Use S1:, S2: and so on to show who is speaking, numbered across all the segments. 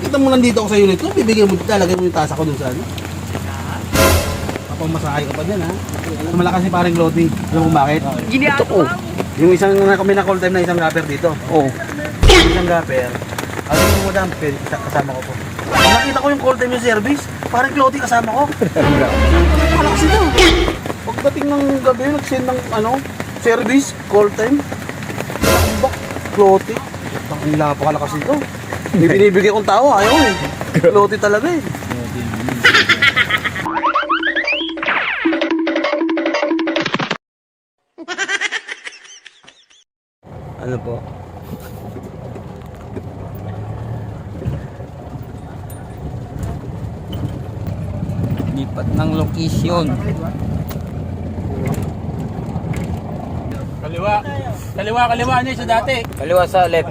S1: Nakita mo nandito ako sa unit ko, bibigyan mo, lalagay mo yung tasa ko dun sa ano. Papamasahay ka pa dyan ha. Malakas si paring Lodi. Alam mo bakit?
S2: Ito ko.
S1: Yung isang kami na call time na isang rapper dito.
S2: Oh.
S1: Yung isang rapper. Alam mo madam, kasama ko po. Nakita ko yung call time yung service. Parang Lodi kasama ko. Malakas ito. Pagdating ng gabi, nag-send ng ano, service, call time. Bak, Lodi. Ang napakalakas ito. May binibigay kong tao, ayaw eh. Lodi talaga eh.
S2: Ano po? Lipat ng location.
S3: Kaliwa. Kaliwa niya sa dati.
S2: Kaliwa sa left.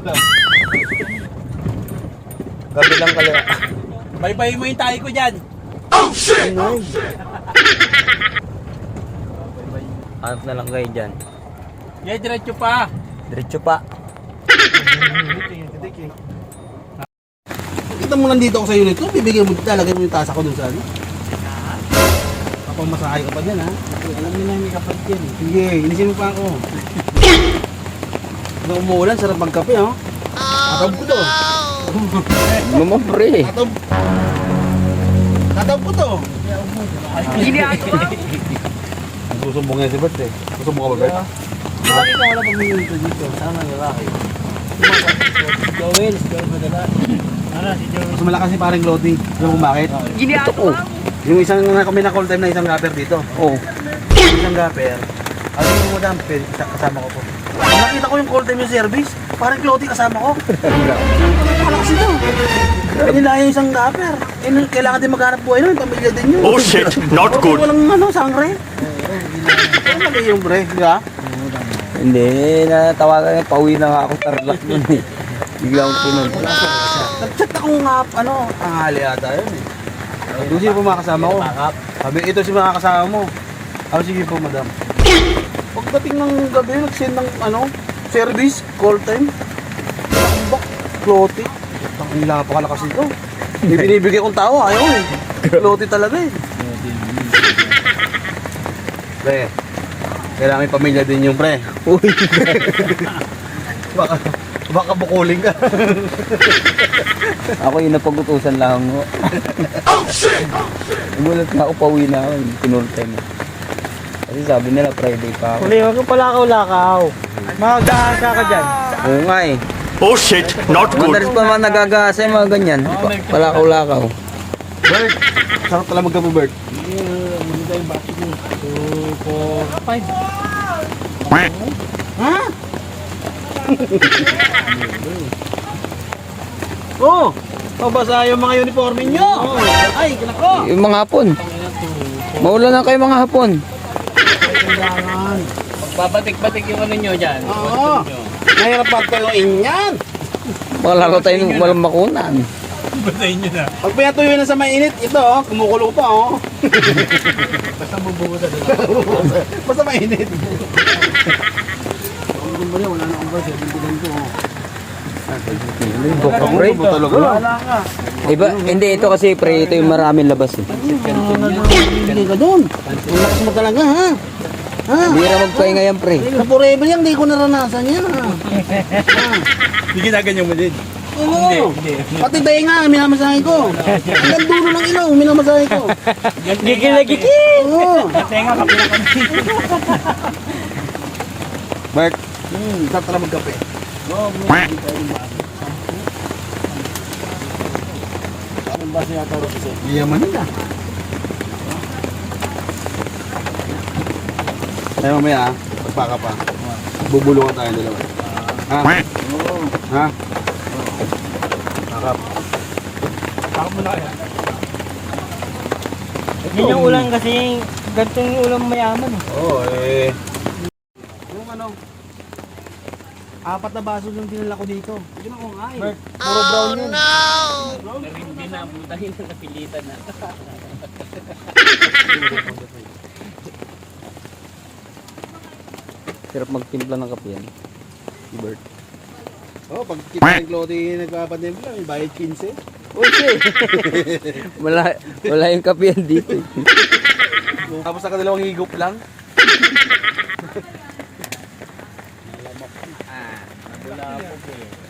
S2: Kabilang kaliwa.
S3: Bye-bye mo yung tayo ko dyan.
S2: Hanap na lang kayo dyan.
S3: Yeah, diretso pa.
S2: Diretso pa.
S1: Kita mo nandito ako sa unit ko, bibigyan mo, lalagay mo yung tasa ko dun sa ano. Papamasahay ka pa dyan ha. Alam mo na may kapag yan eh. Sige, inisin mo pa ako. Pag umuulan, sarap magkape ha. Tatab ko to.
S2: Mama pre.
S1: Tatab ko to.
S2: Ginagawa.
S1: Susumbong yan si Bert eh. Susumbong ka ba Bert? Bakit ka wala pag minuto dito? Saan ang lalaki?
S3: Joel madala. Ara, si Joel.
S1: Mas malakas si paring Lodi. Alam mo bakit?
S2: Ito ko.
S1: Yung isang kami na call time na isang rapper dito.
S2: Oh.
S1: Yung isang rapper. Alam mo madam, kasama ko po. Nakita ko yung call time yung service. Parang Lodi kasama ko. Malakas ito. Nila yung isang rapper. Kailangan din maghanap buhay nun. Pamilya din yun.
S4: Oh shit, not good.
S1: Walang ano, sangre. Ano mali yung bre, di ba?
S2: Hindi, natawagan niya. Pauwi na nga ako Tarlac nun eh. Bigla akong pinunta.
S1: Nag-chat akong ano, tanghali ata yun eh. Doon sino po mga kasama ko. Sabi, ito si mga kasama mo. Ako, sige po madam. Pagdating ng gabi, nag-send ng ano, service, call time. Bak, Lodi. Ang napakalakas ito. May binibigay kong tao, ayaw eh. Lodi talaga eh. Pre, kailangan may pamilya din yung pre.
S2: Uy.
S1: Baka bukuling ka.
S2: Ako yung napag-utusan lang ako. Umulat nga ako, pauwi na ako. Pinulta mo. Kasi sabi nila Friday pa ako.
S3: Uli, wag kang palakaw-lakaw. Magdahasa ka dyan.
S2: Oo nga eh.
S4: Oh shit, not good.
S2: Madalas pa naman nagagasa yung mga ganyan. Palakaw-lakaw.
S1: Bert, sarap talaga magkapo Bert.
S3: Maganda yung bakit mo. 2, 4, 5.
S1: Ha? Oh, mabasa yung mga uniforme nyo. Ay, kinako.
S2: Yung mga hapon. Maulan na kayo mga hapon.
S1: Kailangan.
S3: Babatik-batik yung ano nyo dyan.
S1: Oo. Mahirap pagtuluin yan.
S2: Baka lalo tayong walang makunan.
S3: Batayin nyo na.
S1: Pag pinatuyo na sa mainit, ito oh, kumukulo pa oh.
S3: Basta bubuo na doon.
S1: Basta mainit. Ang ba niya, wala na akong ba, 70 ko oh.
S2: Pre,
S1: Wala ka.
S2: iba, hindi ito kasi pre, ito yung maraming labas eh.
S1: Hindi ka doon. Ang lakas mo talaga ha. Ha?
S2: Hindi na magpahinga yan pre.
S1: Sa forever yan, hindi ko naranasan yan ha.
S3: Hindi ginaganyan mo din.
S1: Oo. Pati tayo nga, minamasahe ko. Hanggang dulo ng ilong, minamasahe ko.
S3: Gigil-gigil.
S1: Oo.
S3: Tenga ka pinakami.
S1: Bert, sarap talaga magkape.
S3: Anong basa yata rin kasi?
S1: Yaman nila. Ay mamaya, pagpaka pa. Bubulungan tayo dalawa. Ha? Ha? Pakap.
S3: Pakap mo na kaya.
S5: Yun yung ulam kasi, ganito yung ulam mayaman eh.
S1: Oo, eh. Yung ano, 4 na baso yung dinala ko dito. Yun ako nga eh. Bert, puro brown yun.
S3: Hindi na, butahin na napilitan na.
S2: Sarap magtimpla ng kape yan. Si Bert.
S1: Oh, pag kita ng Clotty nagpapatimpla, may bayad 15.
S2: Uy, wala yung kape yan dito.
S1: Tapos sa dalawang higop lang.
S5: Wala po eh.